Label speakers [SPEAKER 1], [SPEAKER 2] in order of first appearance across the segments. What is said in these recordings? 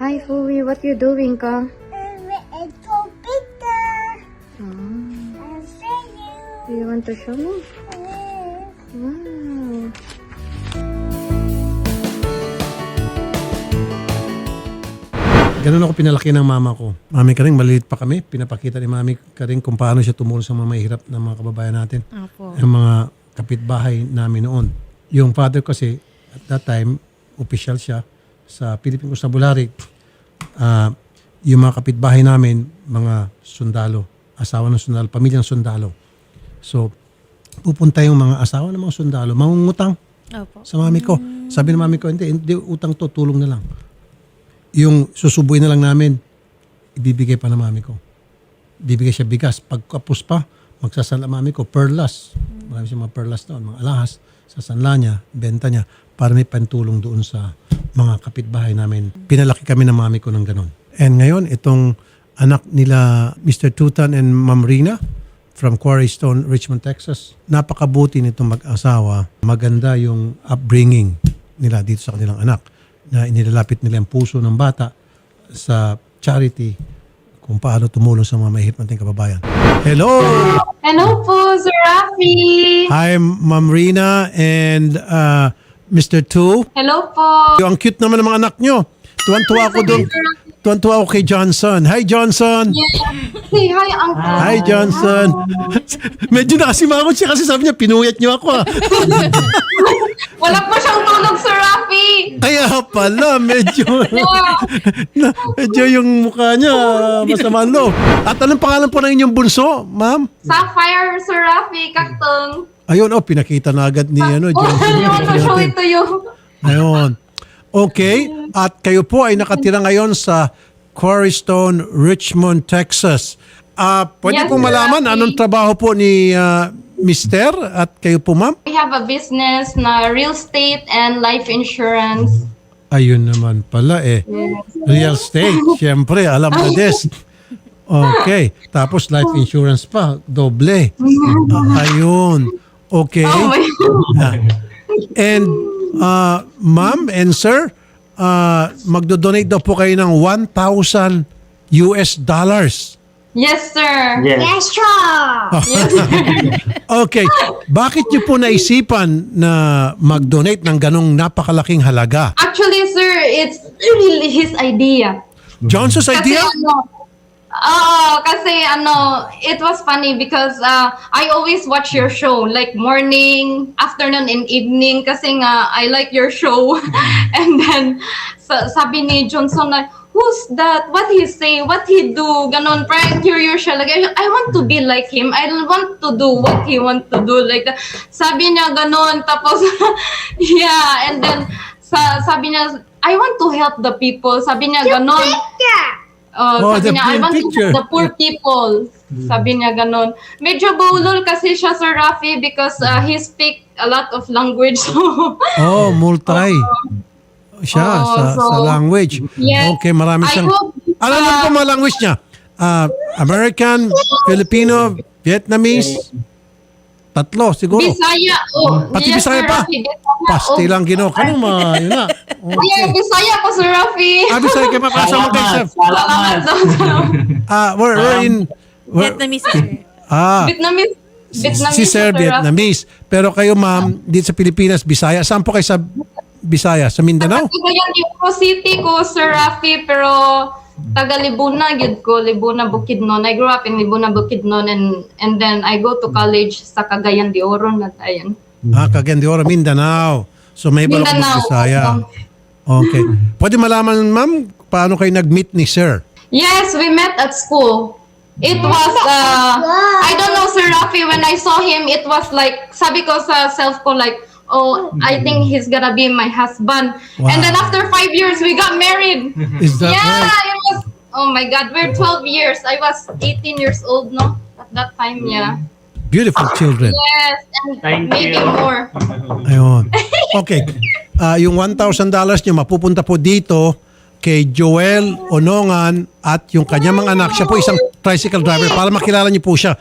[SPEAKER 1] Hi, Fui. What you doing ka?
[SPEAKER 2] It's so bigger.
[SPEAKER 1] Oh,
[SPEAKER 2] I'll show
[SPEAKER 1] do you want to show me?
[SPEAKER 2] you.
[SPEAKER 1] Wow.
[SPEAKER 3] Ganun ako pinalaki ng mama ko. Mami Karing, maliit pa kami. Pinapakita ni Mami Karing kung paano siya tumulong sa mga mahihirap na mga kababayan natin.
[SPEAKER 1] Opo.
[SPEAKER 3] Yung mga kapitbahay namin noon. Yung father kasi, at that time, official siya sa Philippine Constabulary. Yung mga kapitbahay namin, mga sundalo, asawa ng sundalo, pamilyang sundalo. So, pupunta yung mga asawa ng mga sundalo, mangungutang sa mami ko. Sabi ng mami ko, hindi utang to, tulong na lang. Yung susubuin na lang namin, ibibigay pa ng mami ko. Ibibigay siya bigas. Pagkapos pa, magsasala mami ko, perlas. Marami siya mga perlas doon, mga alahas. Sasanla niya, benta niya, para may pantulong doon sa mga kapitbahay namin. Pinalaki kami ng mami ko ng ganon. And ngayon, itong anak nila Mr. Tutan and Ma'am Rina from Quarry Stone, Richmond, Texas. Napakabuti nitong mag-asawa. Maganda yung upbringing nila dito sa kanilang anak, na inilalapit nila ang puso ng bata sa charity kung paano tumulong sa mga mahihirap nating kababayan. Hello!
[SPEAKER 4] Hello po, Sir Rafi!
[SPEAKER 3] Hi, Ma'am Rina and Mr. Tu.
[SPEAKER 4] Hello po!
[SPEAKER 3] Ang cute naman ng mga anak nyo. Tuwan-tuwa ako doon. Tuwan-tuwa ako kay Johnson. Hi, Johnson!
[SPEAKER 4] Say hi, Uncle!
[SPEAKER 3] Hi, Johnson! Medyo nakasimangot siya kasi sabi niya, pinuyat niyo ako.
[SPEAKER 4] Wala po siyang tulog, Sir Rafi!
[SPEAKER 3] Kaya pala, medyo yung mukha niya masama ang loob. At anong pangalan po ng inyong bunso, ma'am?
[SPEAKER 4] Sapphire, Sir Rafi, kaktong.
[SPEAKER 3] Ayun, pinakita na agad ni
[SPEAKER 4] Oh,
[SPEAKER 3] Johnson.
[SPEAKER 4] you want to show it to you?
[SPEAKER 3] Ayun. Okay. At kayo po ay nakatira ngayon sa Quarry Stone, Richmond, Texas. Pwede
[SPEAKER 4] Yes,
[SPEAKER 3] pong malaman
[SPEAKER 4] Rafi.
[SPEAKER 3] anong trabaho po ni Mister at kayo po, ma'am?
[SPEAKER 4] We have a business na real estate and life insurance.
[SPEAKER 3] Ayun naman pala Real estate. Siyempre, alam na this. Okay. Tapos life insurance pa. Doble. Ayun. Okay.
[SPEAKER 4] Oh my
[SPEAKER 3] And ma'am and sir, magdo-donate daw po kayo ng $1,000.
[SPEAKER 4] Yes, sir!
[SPEAKER 2] Yes, sure.
[SPEAKER 3] Okay. Bakit niyo po naisipan na mag-donate ng ganong napakalaking halaga?
[SPEAKER 4] Actually, sir, it's really his idea.
[SPEAKER 3] Johnson's idea?
[SPEAKER 4] Kasi it was funny because I always watch your show like morning, afternoon, and evening kasi nga I like your show. And then sabi ni Johnson na, who's that? What he say? What he do? Ganon, parang curious siya. Like, I want to be like him. I want to do what he want to do. Like that. Sabi niya ganon. Tapos, yeah. And then, sabi niya, I want to help the people. Sabi niya ganon. Sabi
[SPEAKER 3] the
[SPEAKER 4] niya, I want to
[SPEAKER 3] picture.
[SPEAKER 4] help the poor people. Sabi niya ganon. Medyo bulol kasi siya, Sir Rafi, because he speak a lot of language. So,
[SPEAKER 3] Multi. Siya sa language.
[SPEAKER 4] Yes.
[SPEAKER 3] Okay, marami
[SPEAKER 4] I
[SPEAKER 3] siyang...
[SPEAKER 4] hope,
[SPEAKER 3] Ano po mga language niya? American, Filipino, Vietnamese, tatlo siguro.
[SPEAKER 4] Bisaya.
[SPEAKER 3] Pati
[SPEAKER 4] yes,
[SPEAKER 3] Bisaya
[SPEAKER 4] Sir
[SPEAKER 3] pa.
[SPEAKER 4] Rafi, Bisaya.
[SPEAKER 3] Pasti lang gino. Kanong yun na.
[SPEAKER 4] Yeah,
[SPEAKER 3] Okay.
[SPEAKER 4] Bisaya po, Sir Rafi.
[SPEAKER 3] Bisaya kayo pa. Asa mo kayo, sir?
[SPEAKER 4] Salamat daw.
[SPEAKER 3] We're in...
[SPEAKER 5] Vietnamese, sir.
[SPEAKER 4] Vietnamese. Vietnamese
[SPEAKER 3] Si Sir
[SPEAKER 4] po, Rafi.
[SPEAKER 3] Vietnamese. Pero kayo, ma'am, dito sa Pilipinas, Bisaya. Saan po kayo sa Bisaya? Sa Mindanao?
[SPEAKER 4] Taga yan yung city ko, Sir Rafi, pero taga Libuna, gid ko, Libuna, Bukidnon. I grew up in Libuna, Bukidnon, and then I go to college sa Cagayan de Oro na tayo.
[SPEAKER 3] Cagayan de Oro, Mindanao. So may balak
[SPEAKER 4] Mindanao.
[SPEAKER 3] Bisaya. Okay. Pwede malaman, ma'am, paano kayo nag-meet ni Sir?
[SPEAKER 4] Yes, we met at school. It was, I don't know, Sir Rafi, when I saw him, it was like, sabi ko sa self ko, like, I think he's gonna be my husband.
[SPEAKER 3] Wow.
[SPEAKER 4] And then after 5 years, we got married.
[SPEAKER 3] Is that
[SPEAKER 4] Yeah,
[SPEAKER 3] right?
[SPEAKER 4] it was, oh my God, we're 12 years. I was 18 years old, no? At that time, yeah.
[SPEAKER 3] Beautiful children.
[SPEAKER 4] Yes, and maybe more.
[SPEAKER 3] Ayun. Okay. Yung $1,000 nyo mapupunta po dito kay Joel Onongan at yung kanyang mga anak. Siya po isang tricycle driver para makilala niyo po siya.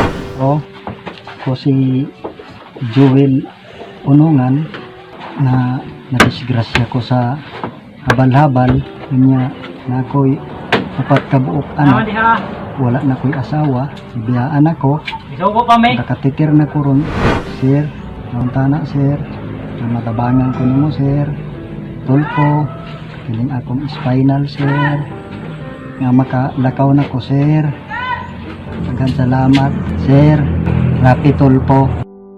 [SPEAKER 6] Ako si Joel Onongan na nadisgrasya ko sa habal-habal kanya na ako'y upat kabuok anak. Wala na ko'y asawa, ibiyaan ako. Nakatitir na ko ron, sir. Noong tana, sir. Na matabangan ko nimo, sir. Tulko. Piling akong spinal, sir. Nga makalakaw na ko, sir. Daghang salamat, sir. Rapi tulpo.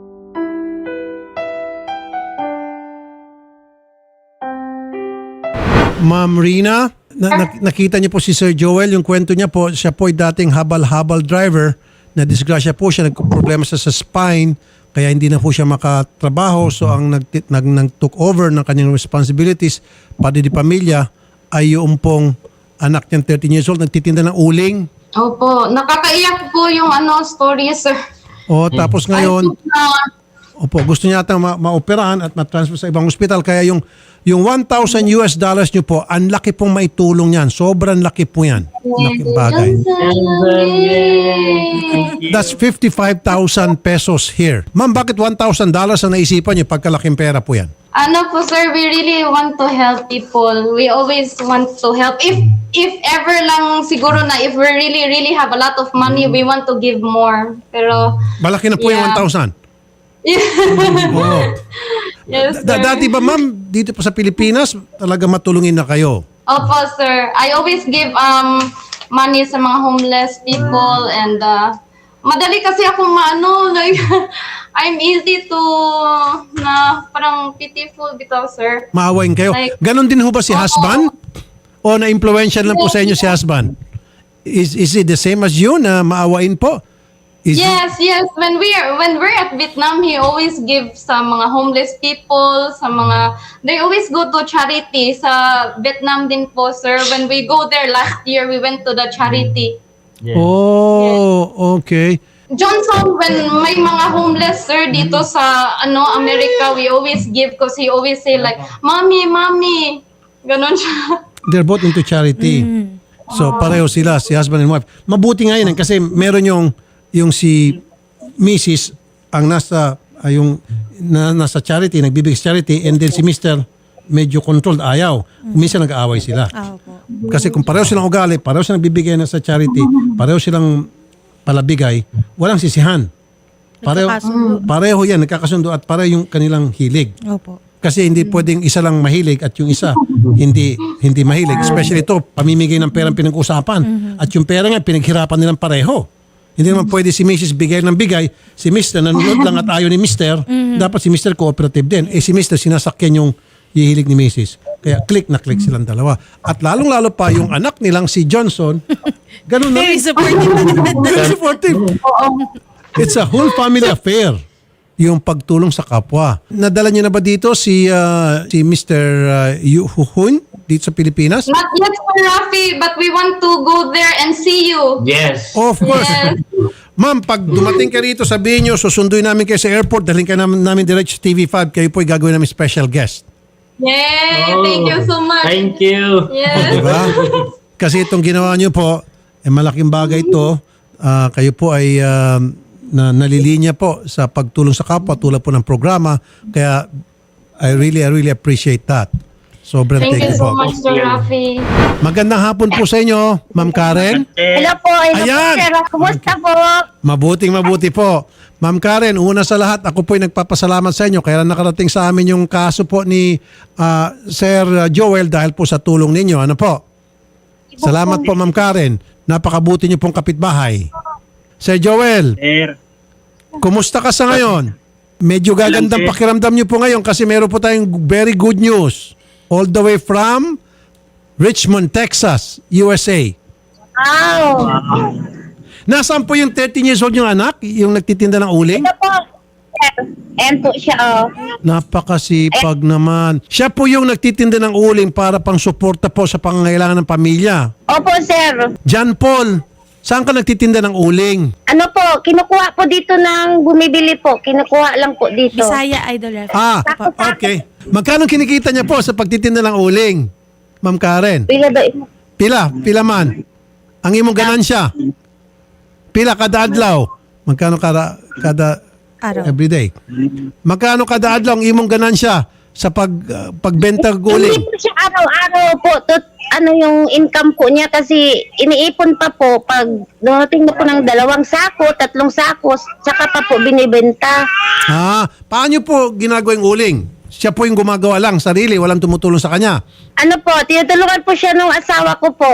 [SPEAKER 3] Ma'am Rina, nakita niyo po si Sir Joel, yung kwento niya po, siya po ay dating habal-habal driver, na disgrasya po siya, nagproblema siya sa spine, kaya hindi na po siya makatrabaho. So ang nag-took over ng kanyang responsibilities, pati di pamilya, ay yung pong anak niyang 13 years old, nagtitinda ng uling.
[SPEAKER 4] Opo, nakakaiyak po yung story, sir.
[SPEAKER 3] O tapos ngayon,
[SPEAKER 4] I think na-
[SPEAKER 3] opo, gusto niya atang maoperahan at matransfer sa ibang ospital. Kaya yung $1,000 niyo po, ang laki pong maitulong yan. Sobrang laki po yan. Laking bagay. That's 55,000 pesos here. Ma'am, bakit $1,000 ang naisipan niyo? Pagkalaking pera po yan.
[SPEAKER 4] Po sir, we really want to help people. We always want to help. If ever lang siguro na if we really have a lot of money, we want to give more. Pero
[SPEAKER 3] Malaki na po yung
[SPEAKER 4] Yeah.
[SPEAKER 3] 1,000. Oo.
[SPEAKER 4] yes, sir.
[SPEAKER 3] Dati ba ma'am, dito po sa Pilipinas, talaga matulungin na kayo?
[SPEAKER 4] Opo, sir. I always give money sa mga homeless people and madali kasi akong like I'm easy to na parang pitiful bitaw, sir.
[SPEAKER 3] Maawain kayo.
[SPEAKER 4] Like-
[SPEAKER 3] Ganon din ho ba si husband? O na-influential lang po sa inyo si husband? Is it the same as you na maawain po? Is
[SPEAKER 4] Yes. When we're at Vietnam, he always gives sa mga homeless people, they always go to charity sa Vietnam din po, sir. When we go there last year, we went to the charity.
[SPEAKER 3] Oh, okay.
[SPEAKER 4] Johnson, when may mga homeless, sir, dito sa America, we always give because he always say like, Mommy. Ganon siya.
[SPEAKER 3] They're both into charity. So pareho sila, si husband and wife. Mabuti nga yun kasi meron yung si Mrs. ang nasa charity, nagbibigay sa charity, and then si Mr. medyo controlled, ayaw. Minsan nag-aaway sila. Kasi kung pareho silang ugali, pareho silang nagbibigay na sa charity, pareho silang palabigay, walang sisihan. Pareho yan, nagkakasundo at pareho yung kanilang hilig.
[SPEAKER 1] Opo.
[SPEAKER 3] Kasi hindi pwedeng isa lang mahilig at yung isa hindi mahilig. Especially ito, pamimigay ng pera ang pinag-usapan. At yung pera nga, pinaghirapan nilang pareho. Hindi naman pwede si Mrs. bigay ng bigay, si Mr. nanonood lang at ayaw ni Mr. Dapat si Mr. cooperative din. Si Mr. sinasakyan yung hihilig ni Mrs. Kaya click na click silang dalawa. At lalong-lalo pa yung anak nilang si Johnson, ganun na rin.
[SPEAKER 1] Very supportive.
[SPEAKER 3] Very supportive. It's a whole family affair. Yung pagtulong sa kapwa. Nadala niyo na ba dito si Mr. Yu Hun dito sa Pilipinas?
[SPEAKER 4] Not yet, Sir Rafi, but we want to go there and see you.
[SPEAKER 5] Yes.
[SPEAKER 3] Of course.
[SPEAKER 4] Yes.
[SPEAKER 3] Ma'am, pag dumating ka rito, sabihin nyo, susunduin namin kayo sa airport, dalhin ka namin direct sa TV5, kayo po'y gagawin namin special guest.
[SPEAKER 4] Yay! Thank you so much.
[SPEAKER 5] Thank you.
[SPEAKER 4] Yes.
[SPEAKER 3] Diba? Kasi itong ginawa nyo po, malaking bagay ito. Kayo po ay nalilinya po sa pagtulong sa kapwa tulad po ng programa. Kaya I really appreciate that. Sobrang
[SPEAKER 4] Thank you so
[SPEAKER 3] po.
[SPEAKER 4] much, Sir Rafi.
[SPEAKER 3] Magandang hapon po sa inyo, Ma'am Karen.
[SPEAKER 2] Hello po,
[SPEAKER 3] Ayan!
[SPEAKER 2] sir. Kumusta po?
[SPEAKER 3] Mabuti po. Ma'am Karen, una sa lahat, ako po'y nagpapasalamat sa inyo. Kaya nakarating sa amin yung kaso po ni Sir Joel dahil po sa tulong ninyo. Ano po? Salamat po, Ma'am Karen. Napakabuti niyo pong kapitbahay. Sir Joel,
[SPEAKER 5] Sir.
[SPEAKER 3] kumusta ka sa ngayon? Medyo gagandang pakiramdam niyo po ngayon kasi meron po tayong very good news. All the way from Richmond, Texas, USA.
[SPEAKER 2] Wow.
[SPEAKER 3] Nasaan po yung 13 years old yung anak? Yung nagtitinda ng uling?
[SPEAKER 2] Ito po, sir. Ayan po siya, oh.
[SPEAKER 3] Napakasipag naman. Siya po yung nagtitinda ng uling para pang suporta po sa pangangailangan ng pamilya.
[SPEAKER 2] Opo, sir.
[SPEAKER 3] John Paul, saan ka nagtitinda ng uling?
[SPEAKER 2] Ano po, kinukuha po dito ng bumibili po. Kinukuha lang po dito.
[SPEAKER 1] Bisaya Idol Rafi.
[SPEAKER 3] Okay. Magkano kinikita niya po sa pagtitinda ng uling? Ma'am Karen?
[SPEAKER 2] Pila do?
[SPEAKER 3] Pila man. Ang imong ganansya? Pila kada adlaw? Magkano kada
[SPEAKER 1] Araw.
[SPEAKER 3] everyday? Magkano kada adlaw ang imong ganansya sa pagbenta
[SPEAKER 2] Hindi
[SPEAKER 3] guling?
[SPEAKER 2] po siya araw-araw po. Yung income po niya kasi iniipon pa po pag dumating na po ng 2 sako, 3 sako, tsaka pa po binibenta.
[SPEAKER 3] Paano po ginagawa yung uling? Siya po yung gumagawa lang, sarili, walang tumutulong sa kanya.
[SPEAKER 2] Ano po, tinutulungan po siya ng asawa ko po.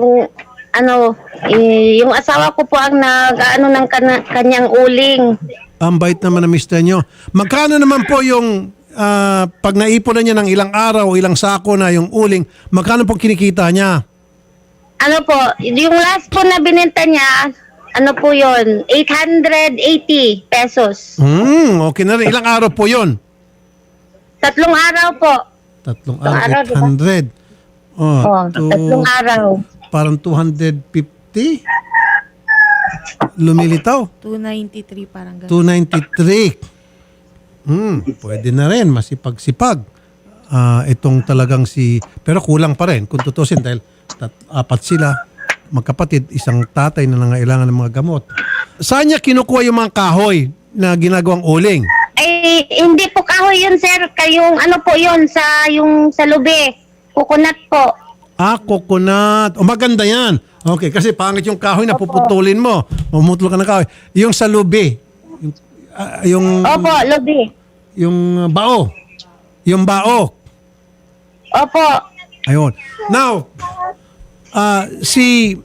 [SPEAKER 2] Yung asawa ko po ang ng kanyang uling.
[SPEAKER 3] Ang bait naman ng mister nyo. Magkano naman po yung pag naipon na niya ng ilang araw, ilang sako na yung uling, magkano po kinikita niya?
[SPEAKER 2] Ano po, yung last po na binenta niya, ano po yun, 880 pesos.
[SPEAKER 3] Okay na rin. Ilang araw po yun?
[SPEAKER 2] 3 araw po.
[SPEAKER 3] 3
[SPEAKER 2] araw,
[SPEAKER 3] araw, 800.
[SPEAKER 2] Oh, 3 araw.
[SPEAKER 3] Parang 250? Lumilitaw?
[SPEAKER 5] 293 parang ganun.
[SPEAKER 3] 293. Pwede na rin, masipag-sipag. Itong talagang pero kulang pa rin kung tutusin dahil 4 sila, magkapatid, isang tatay na nangailangan ng mga gamot. Saan niya kinukuha yung mga kahoy na ginagawang uling?
[SPEAKER 2] Eh, hindi po kahoy yun, sir. Kayong ano po yun, sa lubi. Coconut po.
[SPEAKER 3] Coconut. Maganda yan. Okay, kasi pangit yung kahoy na puputulin mo. Mamutol ka ng kahoy. Yung sa lubi.
[SPEAKER 2] Opo, lubi.
[SPEAKER 3] Yung bao. Yung bao.
[SPEAKER 2] Opo.
[SPEAKER 3] Ayun. Now, si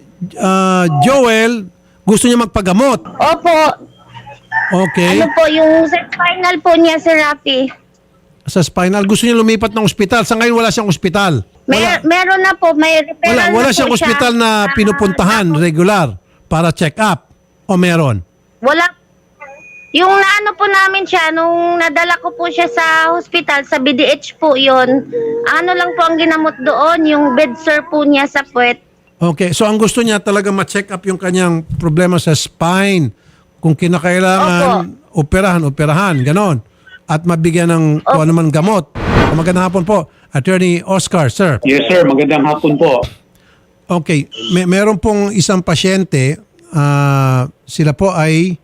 [SPEAKER 3] Joel gusto niya magpagamot.
[SPEAKER 2] Opo.
[SPEAKER 3] Okay.
[SPEAKER 2] Ano po, yung sa spinal po niya, Sir Rafi.
[SPEAKER 3] Sa spinal. Gusto niya lumipat ng ospital. Sa ngayon wala siyang ospital.
[SPEAKER 2] Meron na po, may referral
[SPEAKER 3] Wala
[SPEAKER 2] na
[SPEAKER 3] siyang
[SPEAKER 2] po siya.
[SPEAKER 3] ospital na pinupuntahan regular para check up. O meron?
[SPEAKER 2] Wala. Yung naano po namin siya, nung nadala ko po siya sa hospital, sa BDH po yun, ano lang po ang ginamot doon, yung bed sore po niya sa puwet.
[SPEAKER 3] Okay. So ang gusto niya talaga ma-check up yung kanyang problema sa spine. Kung kinakailangan, operahan, ganon. At mabigyan ng kung ano man gamot. Magandang hapon po, Attorney Oscar, sir.
[SPEAKER 7] Yes, sir. Magandang hapon po.
[SPEAKER 3] Okay, meron pong isang pasyente, sila po ay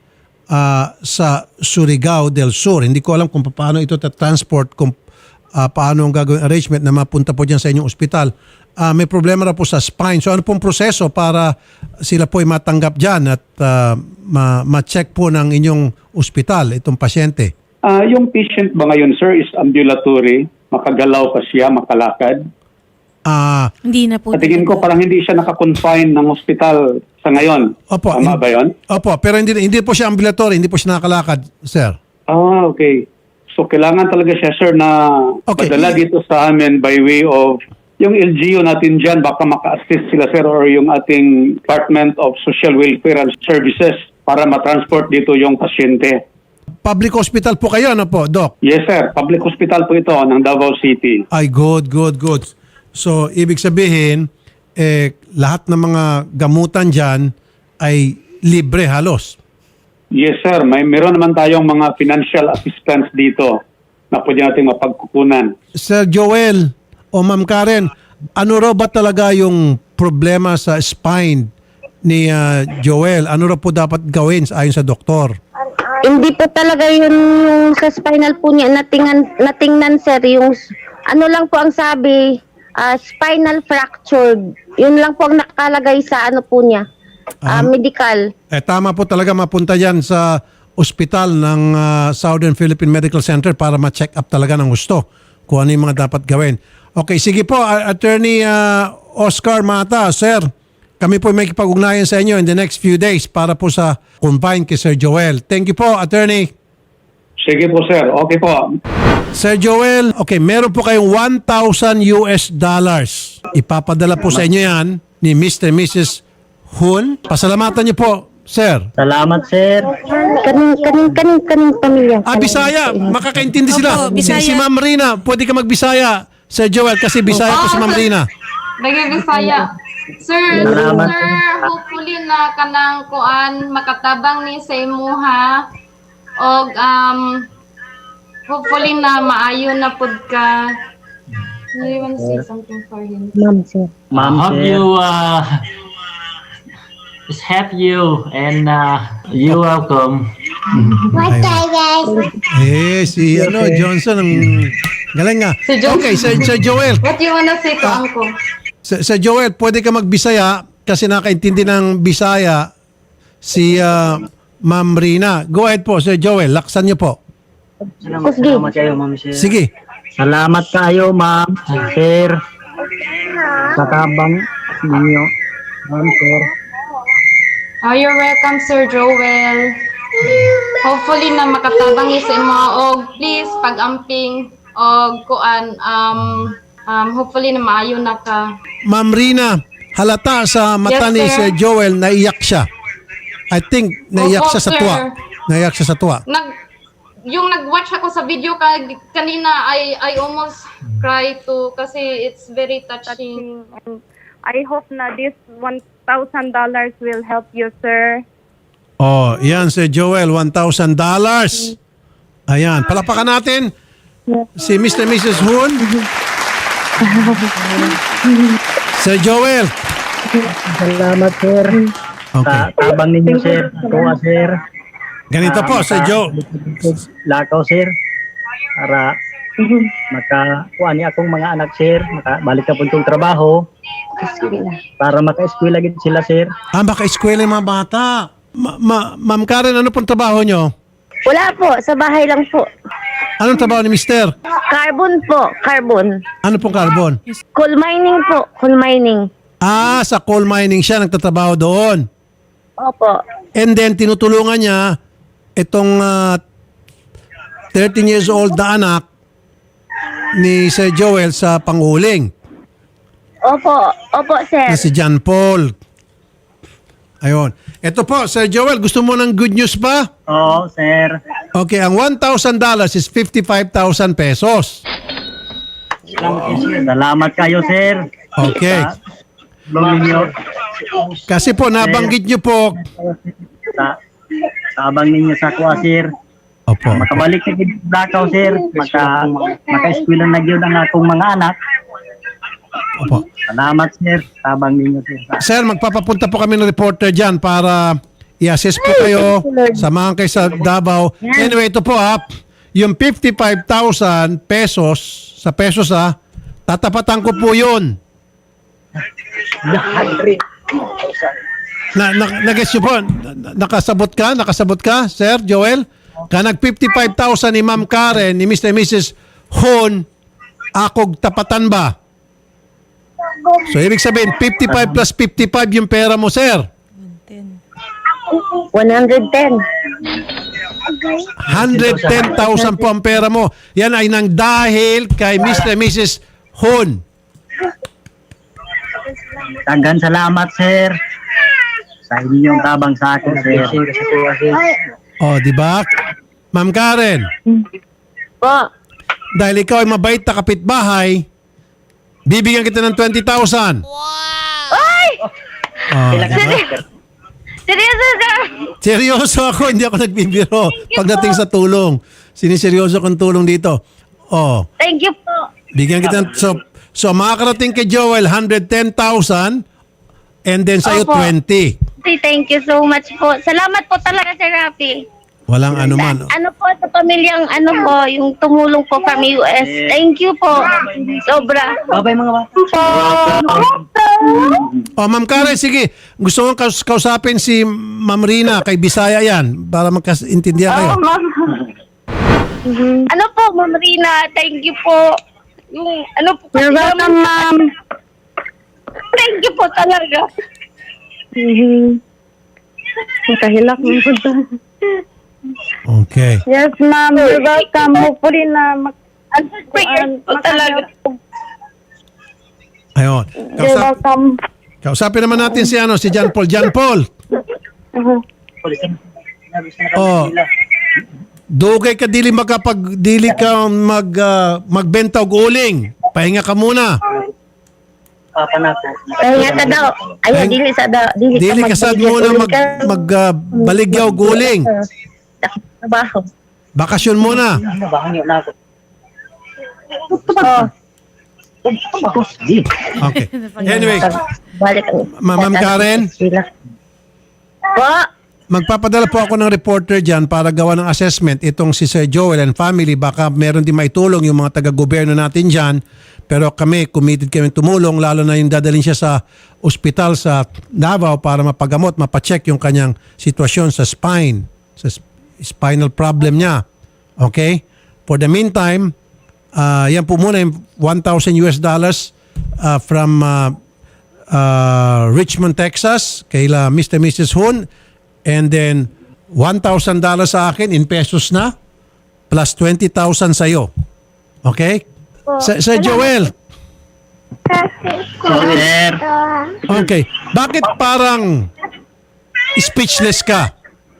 [SPEAKER 3] sa Surigao del Sur. Hindi ko alam kung paano ito transport, kung paano ang gagawin arrangement na mapunta po dyan sa inyong ospital. May problema na po sa spine. So ano pong proseso para sila po ay matanggap dyan at ma-check po ng inyong ospital itong pasyente?
[SPEAKER 7] Yung patient ba ngayon, sir, is ambulatory? Makagalaw pa siya, makalakad?
[SPEAKER 5] Hindi na po.
[SPEAKER 7] Sa tingin ko parang hindi siya nakakonfine ng hospital sa ngayon.
[SPEAKER 3] Opo.
[SPEAKER 7] Tama ba yun?
[SPEAKER 3] Opo, pero hindi po siya ambulatory, hindi po siya nakakalakad, sir.
[SPEAKER 7] Okay. So kailangan talaga siya, sir, na padala dito sa amin by way of yung LGU natin dyan, baka maka-assist sila, sir, or yung ating Department of Social Welfare and Services para matransport dito yung pasyente.
[SPEAKER 3] Public hospital po kayo, ano po, Doc?
[SPEAKER 7] Yes, sir. Public hospital po ito ng Davao City.
[SPEAKER 3] Ay, good. So, ibig sabihin, lahat ng mga gamutan dyan ay libre halos.
[SPEAKER 7] Yes, sir. Meron naman tayong mga financial assistance dito na pwede natin mapagkukunan.
[SPEAKER 3] Sir Joel o Ma'am Karen, ano raw ba talaga yung problema sa spine ni Joel? Ano raw po dapat gawin ayon sa doktor?
[SPEAKER 2] Hindi po talaga yun yung sa spinal po niya natingnan, sir. Yung ano lang po ang sabi, spinal fractured. Yun lang po ang nakalagay sa ano po niya, medical.
[SPEAKER 3] Tama po talaga mapunta yan sa ospital ng Southern Philippine Medical Center para ma-check up talaga ng gusto kung ano yung mga dapat gawin. Okay, sige po, Attorney Oscar Mata, sir. Kami po may kipag-ugnayan sa inyo in the next few days para po sa confine kay Sir Joel. Thank you po, Attorney.
[SPEAKER 7] Sige po, sir. Okay po.
[SPEAKER 3] Sir Joel, okay, meron po kayong $1,000. Ipapadala po sa inyo yan ni Mr. and Mrs. Hun. Pasalamatan niyo po, sir.
[SPEAKER 6] Salamat, sir.
[SPEAKER 2] Kaning pamilya.
[SPEAKER 3] Bisaya. Makakaintindi sila.
[SPEAKER 5] Opo, Bisaya.
[SPEAKER 3] Si Ma'am Rina, pwede ka magbisaya. Sir Joel, kasi Bisaya po si Ma'am Rina.
[SPEAKER 4] Nagibisaya. Sir,
[SPEAKER 6] Salamat.
[SPEAKER 4] hopefully na kanang kuan makatabang ni sa imuha og hopefully na maayo na pud ka. You want to say something for him?
[SPEAKER 2] Ma'am, sir.
[SPEAKER 8] Hope you just have you and you're welcome.
[SPEAKER 3] Si Johnson ang Galing nga.
[SPEAKER 4] Si Joel.
[SPEAKER 3] Okay, Sir Joel.
[SPEAKER 4] What you wanna say to Uncle?
[SPEAKER 3] Sir Joel, pwede ka magbisaya kasi nakaintindi ng Bisaya si Ma'am Rina. Go ahead po, Sir Joel. Laksan niyo po.
[SPEAKER 8] Salamat kayo, ma'am, sir.
[SPEAKER 3] Sige.
[SPEAKER 8] Salamat kayo, ma'am, sir. Sa tabang ninyo, ma'am, sir.
[SPEAKER 4] Oh, you're welcome, Sir Joel. Hopefully na makatabang sa mga og please pag-amping og kuan hopefully na maayo na ka.
[SPEAKER 3] Ma'am Rina, halata sa mata
[SPEAKER 4] Yes,
[SPEAKER 3] ni
[SPEAKER 4] sir.
[SPEAKER 3] Sir Joel, naiyak siya. I think naiyak
[SPEAKER 4] Opo,
[SPEAKER 3] siya sa
[SPEAKER 4] sir.
[SPEAKER 3] tuwa. Naiyak siya sa tuwa.
[SPEAKER 4] Yung nag-watch ako sa video kanina, I almost cry too kasi it's very touching.
[SPEAKER 1] And I hope na this $1,000 will help you, sir.
[SPEAKER 3] Oh, yan Sir Joel, $1,000. Ayan, palapakan natin si Mr. and Mrs. Hoon. Sir Joel.
[SPEAKER 8] Salamat, sir.
[SPEAKER 3] Okay.
[SPEAKER 8] Sa tabang ninyo, sir. Tuwa, sir.
[SPEAKER 3] Ganito po, Sir Joe.
[SPEAKER 8] Lakaw, sir. Para makakuha ni akong mga anak, sir. Makabalik ka po itong trabaho. Para maka-eskwela gid sila, sir.
[SPEAKER 3] Baka-eskwela yung mga bata. Ma'am Karen, ano pong trabaho nyo?
[SPEAKER 2] Wala po, sa bahay lang po.
[SPEAKER 3] Anong trabaho ni Mister?
[SPEAKER 2] Carbon po, carbon.
[SPEAKER 3] Ano pong carbon?
[SPEAKER 2] Coal mining po, coal mining.
[SPEAKER 3] Sa coal mining siya, nagtatrabaho doon.
[SPEAKER 2] Opo.
[SPEAKER 3] And then, tinutulungan niya itong 13 years old na anak ni Sir Joel sa panghuling
[SPEAKER 2] Opo, sir.
[SPEAKER 3] na si John Paul. Ayun. Ito po, Sir Joel, gusto mo ng good news pa?
[SPEAKER 8] Oo, sir.
[SPEAKER 3] Okay, ang $1,000 is 55,000 pesos.
[SPEAKER 8] Salamat kayo, sir.
[SPEAKER 3] Okay.
[SPEAKER 8] Tulong ninyo.
[SPEAKER 3] Kasi po, nabanggit niyo po.
[SPEAKER 8] Sa tabang ninyo sa kuha, sir.
[SPEAKER 3] Opo.
[SPEAKER 8] Makabalik na gid Lakaw, sir. Maka-eskwela na gyud ang akong mga anak.
[SPEAKER 3] Opo.
[SPEAKER 8] Salamat, sir. Tabang ninyo, sir.
[SPEAKER 3] Sir, magpapapunta po kami ng reporter dyan para i-assess po kayo, samahan kayo sa Davao. Anyway, ito po yung 55,000 pesos, sa pesos tatapatan ko po yun. Nag-guess nyo po, nakasabot ka, Sir Joel? Nag 55,000 ni Ma'am Karen, ni Mr. and Mrs. Hon, akog tapatan ba? So, ibig sabihin, 55 plus 55 yung pera mo, sir.
[SPEAKER 2] 110.
[SPEAKER 3] 110,000 po ang pera mo. Yan ay nang dahil kay Mr. and Mrs. Hon.
[SPEAKER 8] Tanggan salamat, sir. Sa inyong tabang sa akin, sir.
[SPEAKER 3] O, di ba? Ma'am Karen,
[SPEAKER 2] Po.
[SPEAKER 3] dahil ikaw ay mabait na kapitbahay, bibigyan kita ng 20,000.
[SPEAKER 2] Ay!
[SPEAKER 3] Diba?
[SPEAKER 2] Seryoso, sir.
[SPEAKER 3] Seryoso ako, hindi ako nagbibiro. Pagdating sa tulong, siniseryoso kong tulong dito. Oh,
[SPEAKER 2] Thank you po.
[SPEAKER 3] bigyan kita ng, so makakarating kay Joel 110,000 and then sa'yo
[SPEAKER 2] Opo.
[SPEAKER 3] 20.
[SPEAKER 2] Thank you so much po. Salamat po talaga, Sir Rafi.
[SPEAKER 3] Walang anuman.
[SPEAKER 2] Ano po sa pamilyang yung tumulong po from US. Thank you po. Sobra.
[SPEAKER 8] Babay mga bata.
[SPEAKER 3] Oh, Ma'am Karen, sige. Gusto mong kausapin si Ma'am Rina, kay Bisaya yan, para magkaintindihan kayo.
[SPEAKER 2] Ma'am. Ano po, Ma'am Rina, thank you po. Yung po. You're welcome, ma'am. Thank you po talaga.
[SPEAKER 1] Nakahilak mo po.
[SPEAKER 3] Okay.
[SPEAKER 1] Yes, ma'am. You're welcome. Hopefully na
[SPEAKER 2] Po talaga.
[SPEAKER 3] Ayun.
[SPEAKER 1] You're welcome.
[SPEAKER 3] Kausapin naman natin si John Paul. John Paul. Oh. Dugay ka dili magbenta og uling. Pahinga ka muna.
[SPEAKER 2] Kaya ka daw. Ay, dili sa daw.
[SPEAKER 3] Dili ka sad muna magbaligyaw og uling.
[SPEAKER 2] Trabaho.
[SPEAKER 3] Bakasyon muna. Okay. Anyway,
[SPEAKER 2] Balik.
[SPEAKER 3] Ma'am Karen.
[SPEAKER 2] Po.
[SPEAKER 3] magpapadala po ako ng reporter dyan para gawa ng assessment itong si Sir Joel and family. Baka meron din maitulong yung mga taga-gobyerno natin dyan. Pero kami, committed kami tumulong, lalo na yung dadalhin siya sa ospital sa Davao para mapagamot, mapacheck yung kanyang sitwasyon sa spine, sa spinal problem niya. Okay? For the meantime, yan po muna yung $1,000 from Richmond, Texas, kay Mr. and Mrs. Hun. And then, $1,000 sa akin in pesos na, plus 20,000 sa'yo. Okay? Sir Joel.
[SPEAKER 8] Sir.
[SPEAKER 3] Okay. Bakit parang speechless ka?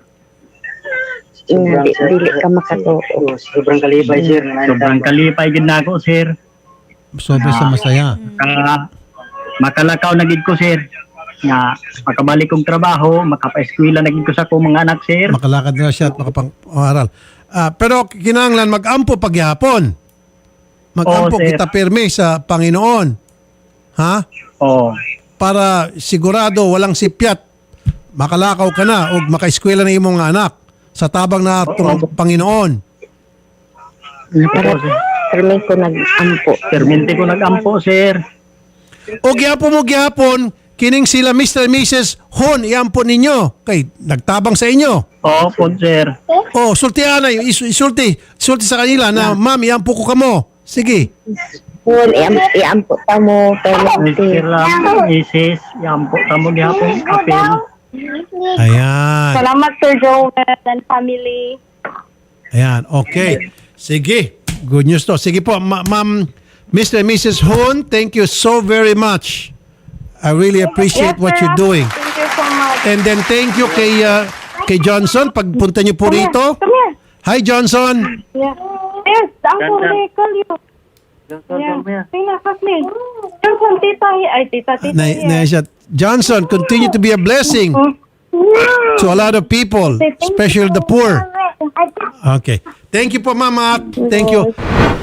[SPEAKER 2] Dili ka makatuo.
[SPEAKER 6] Sobrang kalipay, sir.
[SPEAKER 8] Sobrang kalipay gid nako, sir.
[SPEAKER 3] Sobrang sa masaya.
[SPEAKER 8] Makalakaw na gid ko, sir. Nga makabalik kong trabaho, makapa-eskwela na gid ko sa akong mga anak, sir.
[SPEAKER 3] Makalakad na siya at makapang-aral. Pero kinahanglan mag-ampo paghihapon. Mag-ampo
[SPEAKER 8] Oo, sir.
[SPEAKER 3] kita pirmi sa Panginoon. Ha?
[SPEAKER 8] Oh.
[SPEAKER 3] Para sigurado walang sipyat. Makalakaw ka na o makaeskwela na imong anak sa tabang na itong Panginoon.
[SPEAKER 2] Para permi ko nag-ampo.
[SPEAKER 8] Permente ko nag-ampo, sir.
[SPEAKER 3] O gihapon, kining sila Mr. and Mrs. Hon, iampo ninyo. Kay, nagtabang sa inyo.
[SPEAKER 8] Oo po, sir.
[SPEAKER 3] O, sultihan na, isulti sa kanila na, ma'am, iampo ko kamo. Sige.
[SPEAKER 2] Full, iampo ta mo, permi.
[SPEAKER 8] Sir lang, Mrs. Yampo, tamo gihapon, apel.
[SPEAKER 3] Ayan.
[SPEAKER 1] Salamat, Sir Joel and family.
[SPEAKER 3] Ayan, okay. Sige, good news to. Sige po, ma'am, Mr. and Mrs. Hon, thank you so very much. I really appreciate what you're doing.
[SPEAKER 1] Thank you so much.
[SPEAKER 3] And then thank you kay Johnson, pagpunta niyo po rito.
[SPEAKER 1] Come here.
[SPEAKER 3] Hi, Johnson.
[SPEAKER 1] Yeah. Yes, Uncle, they call you. Yeah. Tina, Kasli. Johnson, tita. Ay, tita.
[SPEAKER 3] Na siya. Johnson, continue to be a blessing to a lot of people, especially the poor. Okay. Thank you po, Mama. Thank you.